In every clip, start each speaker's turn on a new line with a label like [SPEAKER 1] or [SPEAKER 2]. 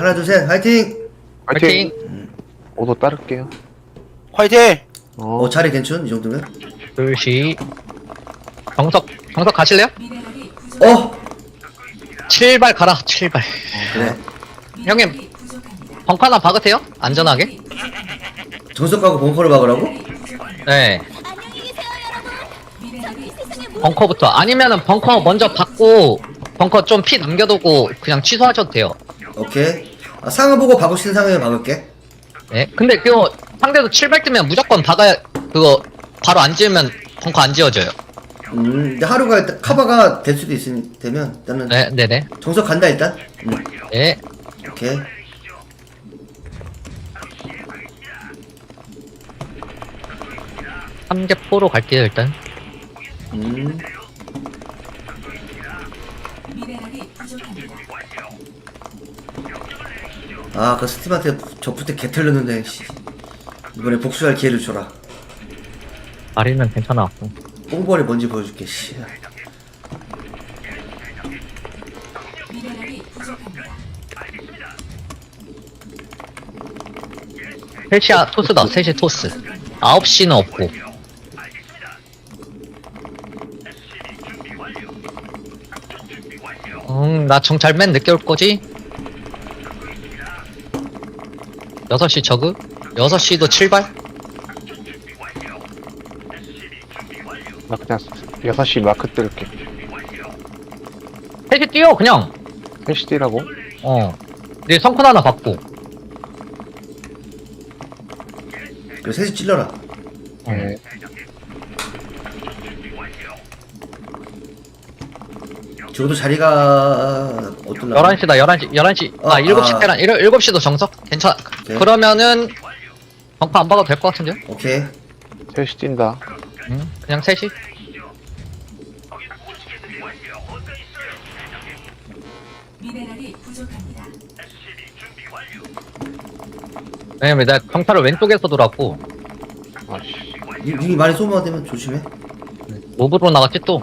[SPEAKER 1] 하나 둘 셋 화이팅!
[SPEAKER 2] 화이팅!
[SPEAKER 3] 오도 따를게요.
[SPEAKER 2] 화이팅!
[SPEAKER 1] 자리 괜찮? 이 정도면?
[SPEAKER 4] 둘시 정석 가실래요?
[SPEAKER 1] 어!
[SPEAKER 4] 7발 가라 7발
[SPEAKER 1] 그래
[SPEAKER 4] 형님 벙커 하나 박으세요? 안전하게
[SPEAKER 1] 정석 가고 벙커를 박으라고?
[SPEAKER 4] 네 벙커부터 아니면은 벙커 먼저 박고 벙커 좀 피 남겨두고 그냥 취소하셔도 돼요.
[SPEAKER 1] 오케이 상황 보고 박을 수 있는 상황에 박을게.
[SPEAKER 4] 네 근데 그거 상대도 7발 뜨면 무조건 박아야 그거 바로 안 지으면 벙커 안 지어져요.
[SPEAKER 1] 근데 하루가 일단 커버가 될 수도 되면 일단은
[SPEAKER 4] 네네네
[SPEAKER 1] 정석 간다 일단.
[SPEAKER 4] 네
[SPEAKER 1] 오케이.
[SPEAKER 4] 삼계포로 갈게요 일단.
[SPEAKER 1] 그 스팀한테 저부터 개털렸는데 씨. 이번에 복수할 기회를 줘라.
[SPEAKER 4] 아리는 괜찮아.
[SPEAKER 1] 뽕벌이 뭔지 보여줄게 씨.
[SPEAKER 4] 셋이야 토스다. 셋이 토스. 9시는 없고. 나 정찰 맨 늦게 올 거지? 6시 저그? 6시도 7발?
[SPEAKER 3] 나 그냥 6시 마크 뜰게.
[SPEAKER 4] 셋이 뛰어 그냥.
[SPEAKER 3] 헬시디라고?
[SPEAKER 4] 네 성큰 하나 받고.
[SPEAKER 1] 그래 셋이 찔러라.
[SPEAKER 3] 네.
[SPEAKER 1] 저도 자리가 어떨라?
[SPEAKER 4] 11시다 11시 7시 테란 7시도 정석? 괜찮아.
[SPEAKER 1] 오케이.
[SPEAKER 4] 그러면은 벙커 안 박아도 될 것 같은데요?
[SPEAKER 1] 오케이.
[SPEAKER 3] 헬시 뛴다.
[SPEAKER 4] 그냥 셋이?
[SPEAKER 5] 미네랄이 부족합니다.
[SPEAKER 4] 왜냐면 내가 경찰을 왼쪽에서 돌았고
[SPEAKER 3] 아씨.
[SPEAKER 1] 님이 많이 소모되면 조심해.
[SPEAKER 4] 몹으로 나갔지 또.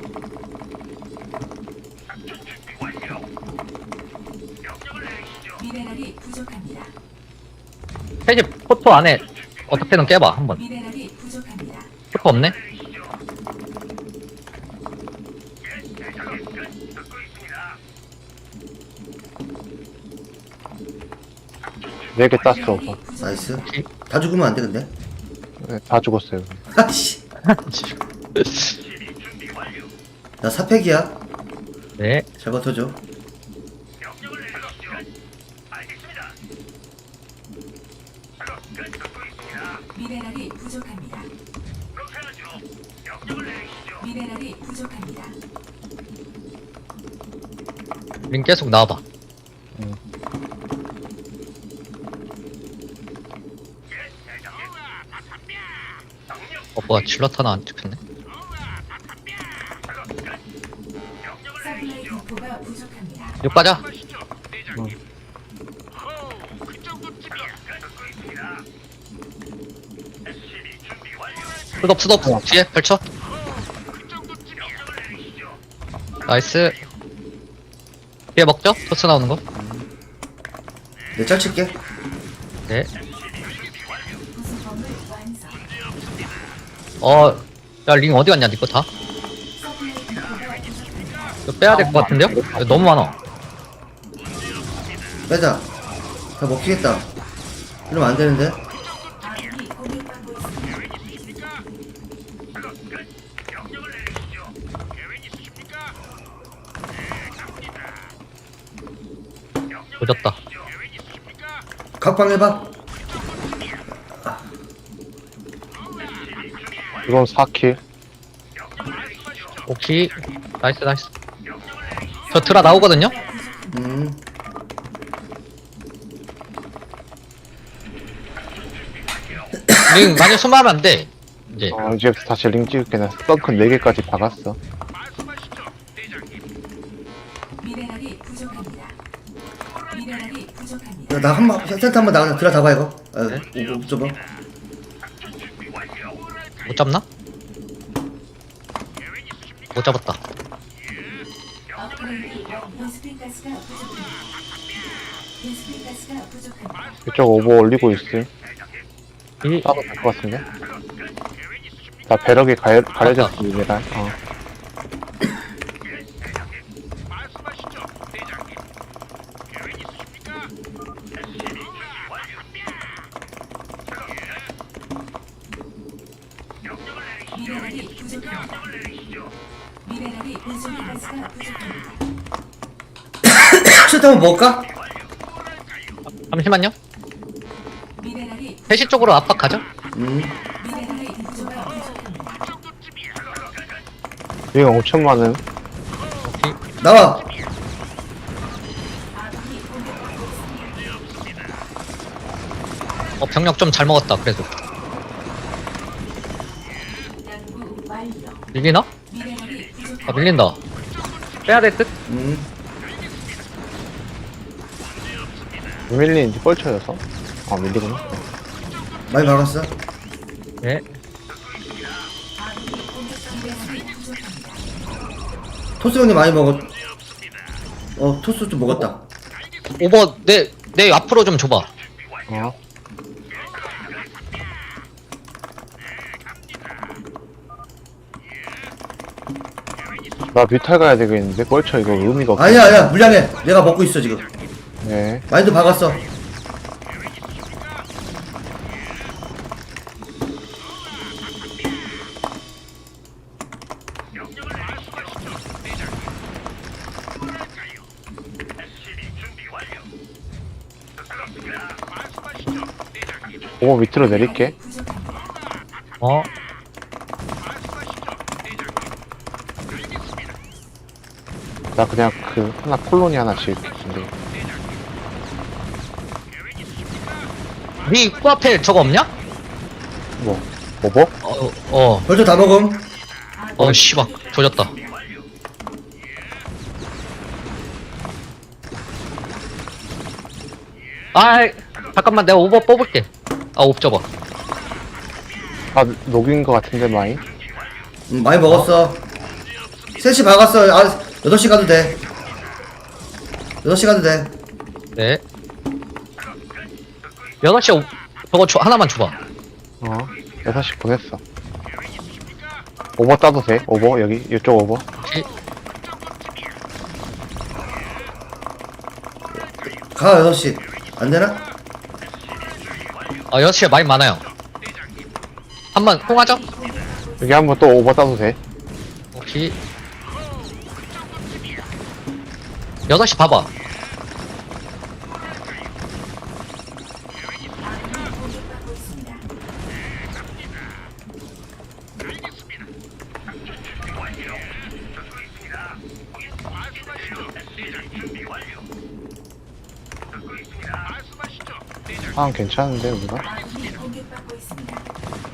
[SPEAKER 5] 미네랄이 부족합니다.
[SPEAKER 4] 셋이 포토 안에 어떻게든 깨봐 한번.
[SPEAKER 5] 미네랄이 부족합니다.
[SPEAKER 4] 포토 없네?
[SPEAKER 3] 네 개 땄어.
[SPEAKER 1] 나이스. 다 죽으면 안 돼 근데.
[SPEAKER 3] 네, 다 죽었어요.
[SPEAKER 1] 아씨. 나 사팩이야.
[SPEAKER 4] 네.
[SPEAKER 1] 잘 버텨줘.
[SPEAKER 5] 미네랄이 부족합니다. 미네랄이 부족합니다.
[SPEAKER 4] 링 계속 나와봐. 뭐야 질럿 하나 안 찍혔네.
[SPEAKER 5] 서플라이 디포가 부족합니다.
[SPEAKER 4] 6 가자. 수덥 뒤에 펼쳐. 나이스. 뒤에 먹죠? 토스 나오는 거.
[SPEAKER 1] 내 짤칠게.
[SPEAKER 4] 네.
[SPEAKER 5] 구성범을 완성.
[SPEAKER 4] 야 링 어디 갔냐 니거 다?
[SPEAKER 5] 서플라이 디포가 부족합니다.
[SPEAKER 4] 이거 빼야 될 것 같은데요? 이거 너무 많아.
[SPEAKER 1] 빼자. 다 먹히겠다. 이러면 안 되는데.
[SPEAKER 5] 아군이 공격받고 있습니다.
[SPEAKER 4] 조졌다.
[SPEAKER 1] 각방 해봐.
[SPEAKER 3] 이건 4킬.
[SPEAKER 4] 오케이. 나이스. 저 드라 나오거든요? 링 많이 소모하면 안 돼. 이제.
[SPEAKER 3] 이제 다시 링 찍을게. 나 썬큰 4개까지 박았어.
[SPEAKER 5] 미네랄이 부족합니다. 미네랄이 부족합니다.
[SPEAKER 1] 나 한번 센터 한번 나가 들어 다봐 이거. 못 잡아.
[SPEAKER 4] 못 잡나? 못 잡았다.
[SPEAKER 5] 업그레이드 원 베스핀 가스가 부족합니다. 베스핀 가스가 부족합니다.
[SPEAKER 3] 이쪽 오버 올리고 있음.
[SPEAKER 4] 이,
[SPEAKER 3] 따도 될 것 같은데? 나 배럭이 가려졌습니다.
[SPEAKER 5] 미네랄이 부족합니다. 미네랄이 베스핀 가스가 부족합니다.
[SPEAKER 1] 슈트 한번 먹을까?
[SPEAKER 4] 잠시만요.
[SPEAKER 5] 미네랄이
[SPEAKER 4] 3시 쪽으로 압박 가죠?
[SPEAKER 5] 미네랄이 부족합니다.
[SPEAKER 3] 링 엄청 많음.
[SPEAKER 4] 오케이.
[SPEAKER 1] 나와.
[SPEAKER 5] 아군이 공격받고 있습니다.
[SPEAKER 4] 병력 좀 잘 먹었다, 그래도.
[SPEAKER 5] 연구 완료.
[SPEAKER 4] 밀리나?
[SPEAKER 5] 미네랄이 부족합니다.
[SPEAKER 4] 아, 밀린다. 빼야 될 듯?
[SPEAKER 3] 밀리는지 뻘쳐여서? 아, 밀리구나.
[SPEAKER 1] 많이 박았어.
[SPEAKER 4] 네.
[SPEAKER 5] 미네랄이 부족합니다.
[SPEAKER 1] 토스 형님 많이 먹었. 토스 좀 먹었다.
[SPEAKER 4] 오버, 내 앞으로 좀 줘봐.
[SPEAKER 3] 나 뮤탈 가야 되겠는데? 뻘쳐 이거 의미가 없어.
[SPEAKER 1] 아니야, 물량해. 내가 먹고 있어 지금.
[SPEAKER 3] 네.
[SPEAKER 1] 많이도 박았어.
[SPEAKER 3] 오버 밑으로 내릴게.
[SPEAKER 4] 어?
[SPEAKER 3] 나 그냥 그 하나 콜로니 하나 지을게. 근데
[SPEAKER 4] 네 입구 앞에 저거 없냐?
[SPEAKER 3] 뭐 오버?
[SPEAKER 1] 벌써 다 먹음.
[SPEAKER 4] 씨발. 조졌다. 아이, 잠깐만, 내가 오버 뽑을게. 옵저버.
[SPEAKER 3] 아 녹인 거 같은데 많이?
[SPEAKER 1] 많이 먹었어. 3시 박았어. 8시 가도 돼. 8시 가도 돼.
[SPEAKER 4] 네. 6시 저거 하나만 줘봐.
[SPEAKER 3] 6시 보냈어. 오버 따도 돼? 오버 여기 이쪽 오버.
[SPEAKER 4] 오케이.
[SPEAKER 1] 가 6시. 안 되나?
[SPEAKER 4] 6시에 많이 많아요. 한번 통하죠?
[SPEAKER 3] 여기 한번 또 오버 따도 돼?
[SPEAKER 4] 오케이. 6시 봐봐.
[SPEAKER 5] 공격받고 있습니다.
[SPEAKER 3] 상황 괜찮은데 우리가?
[SPEAKER 5] 아군이 공격받고 있습니다.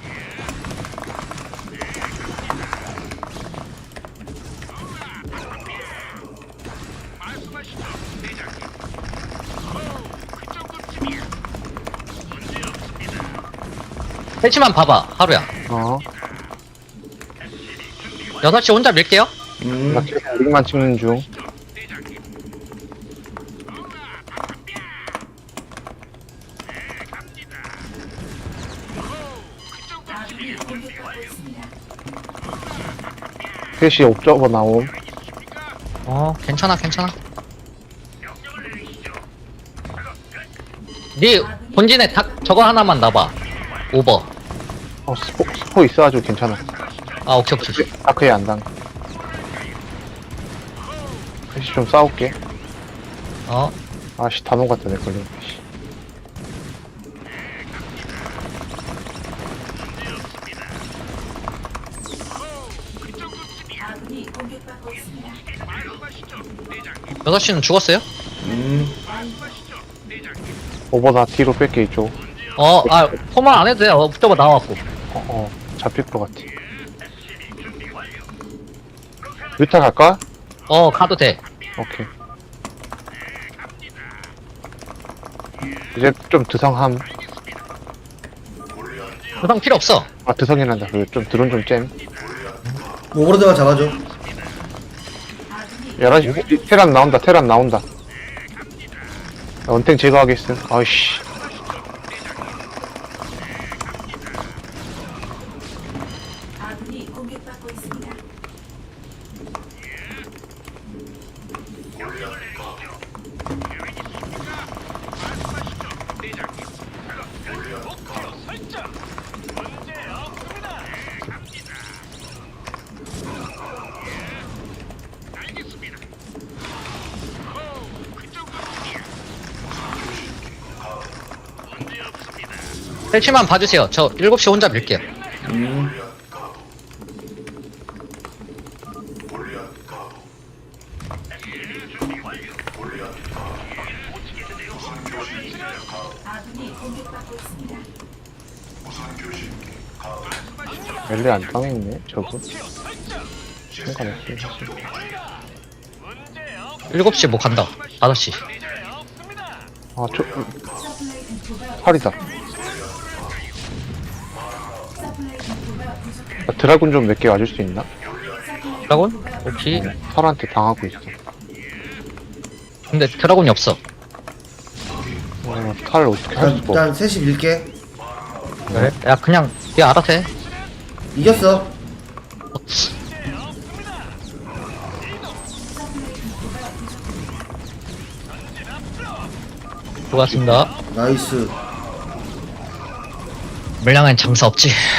[SPEAKER 4] 셋시만 봐봐, 하루야. 6시 혼자 밀게요.
[SPEAKER 3] 나 계속 링만 찍는 중.
[SPEAKER 5] 아군이 공격받고 있습니다.
[SPEAKER 3] 3시 옵저버 나옴.
[SPEAKER 4] 괜찮아. 네 본진에 저거 하나만 놔봐. 오버.
[SPEAKER 3] 스포 있어가지고 괜찮아.
[SPEAKER 4] 오케이.
[SPEAKER 3] 다크에 안 당. 3시 좀 싸울게. 아씨 단호 같다 내 걸려. 씨.
[SPEAKER 5] 아군이 공격받고 있습니다.
[SPEAKER 4] 6시는 죽었어요?
[SPEAKER 3] 오버 나 뒤로 뺄게 이쪽.
[SPEAKER 4] 포만 안 해도 돼. 붙잡아 나와갖고.
[SPEAKER 3] 잡힐 것 같아. 뮤타 갈까?
[SPEAKER 4] 가도 돼.
[SPEAKER 3] 오케이. 이제 좀 드성함.
[SPEAKER 4] 부상 필요 없어.
[SPEAKER 3] 드성이란다. 좀 드론 좀 잼.
[SPEAKER 1] 오버로드만 잡아줘.
[SPEAKER 3] 11시 테란 나온다. 원탱 제거하겠음. 아이씨.
[SPEAKER 5] 아군이 공격받고 있습니다.
[SPEAKER 4] 셀치만 봐주세요. 저 7시 혼자 밀게요.
[SPEAKER 5] 아군이 공격받고 있습니다.
[SPEAKER 3] 멜리 안 당했네, 저거. 상관없어, 사실.
[SPEAKER 4] 7시 뭐 간다. 5시.
[SPEAKER 3] 아, 저,
[SPEAKER 5] 서플라이 디포가
[SPEAKER 3] 팔이다.
[SPEAKER 5] 서플라이 디포가 부족합니다.
[SPEAKER 3] 아, 드라군 좀 몇 개 와줄 수 있나?
[SPEAKER 4] 드라곤? 혹시?
[SPEAKER 3] 설한테 당하고 있어.
[SPEAKER 4] 근데 드라곤이 없어.
[SPEAKER 3] 탈 어떻게 할 수가 없어.
[SPEAKER 1] 일단 셋이 밀게.
[SPEAKER 4] 그래? 야 그냥 얘 알아서 해.
[SPEAKER 1] 이겼어.
[SPEAKER 4] 수고하셨습니다.
[SPEAKER 1] 나이스.
[SPEAKER 4] 물량엔 장사 없지.